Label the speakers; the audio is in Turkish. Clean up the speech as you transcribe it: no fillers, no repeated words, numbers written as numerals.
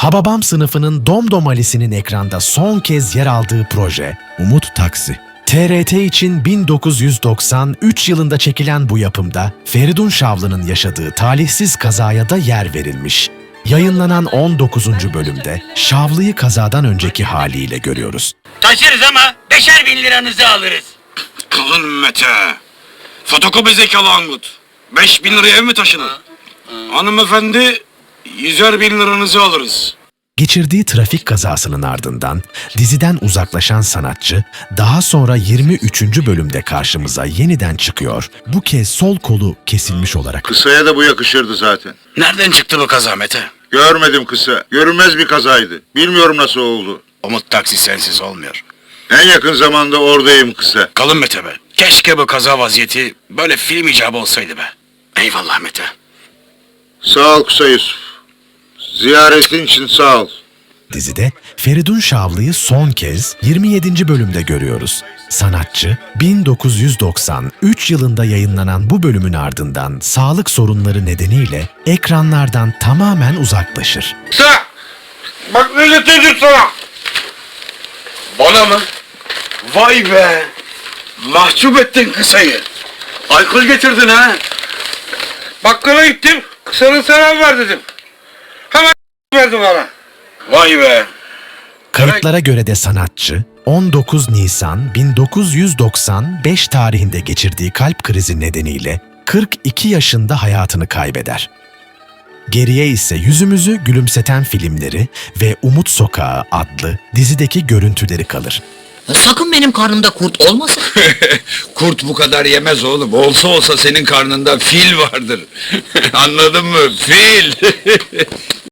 Speaker 1: Hababam sınıfının Domdom Ali'sinin ekranda son kez yer aldığı proje Umut Taksi. TRT için 1993 yılında çekilen bu yapımda Feridun Şavlı'nın yaşadığı talihsiz kazaya da yer verilmiş. Yayınlanan 19. bölümde Şavlı'yı kazadan önceki haliyle görüyoruz.
Speaker 2: Taşırız ama 5'er bin liranızı alırız.
Speaker 3: Kalın Mete. Fotokopi zekalı Angut. 5.000 liraya ev mi taşınır? Hanımefendi 100'er bin liranızı alırız.
Speaker 1: Geçirdiği trafik kazasının ardından diziden uzaklaşan sanatçı daha sonra 23. bölümde karşımıza yeniden çıkıyor. Bu kez sol kolu kesilmiş olarak.
Speaker 4: Kısaya da bu yakışırdı zaten.
Speaker 3: Nereden çıktı bu kaza Mete?
Speaker 4: Görmedim kısa. Görünmez bir kazaydı. Bilmiyorum nasıl oldu.
Speaker 3: Umut Taksi sensiz olmuyor.
Speaker 4: En yakın zamanda oradayım kısa.
Speaker 3: Kalın Mete be. Keşke bu kaza vaziyeti böyle film icabı olsaydı be. Eyvallah Mete.
Speaker 4: Sağ ol kısa Yusuf. Ziyaretin için sağ ol.
Speaker 1: Dizide Feridun Şavlı'yı son kez 27. bölümde görüyoruz. Sanatçı 1993 yılında yayınlanan bu bölümün ardından sağlık sorunları nedeniyle ekranlardan tamamen uzaklaşır.
Speaker 3: Kısa! Bak ne getirdim sana! Bana mı? Vay be! Mahcup ettin kısayı. Alkol getirdin ha?
Speaker 5: Bakkala gittim, kısanın selam ver dedim. Hemen verdi bana.
Speaker 3: Vay be!
Speaker 1: Kayıtlara göre de sanatçı 19 Nisan 1995 tarihinde geçirdiği kalp krizi nedeniyle 42 yaşında hayatını kaybeder. Geriye ise yüzümüzü gülümseten filmleri ve Umut Sokağı adlı dizideki görüntüleri kalır.
Speaker 2: Sakın benim karnımda kurt olmasın.
Speaker 6: Kurt bu kadar yemez oğlum. Olsa olsa senin karnında fil vardır. Anladın mı? Fil.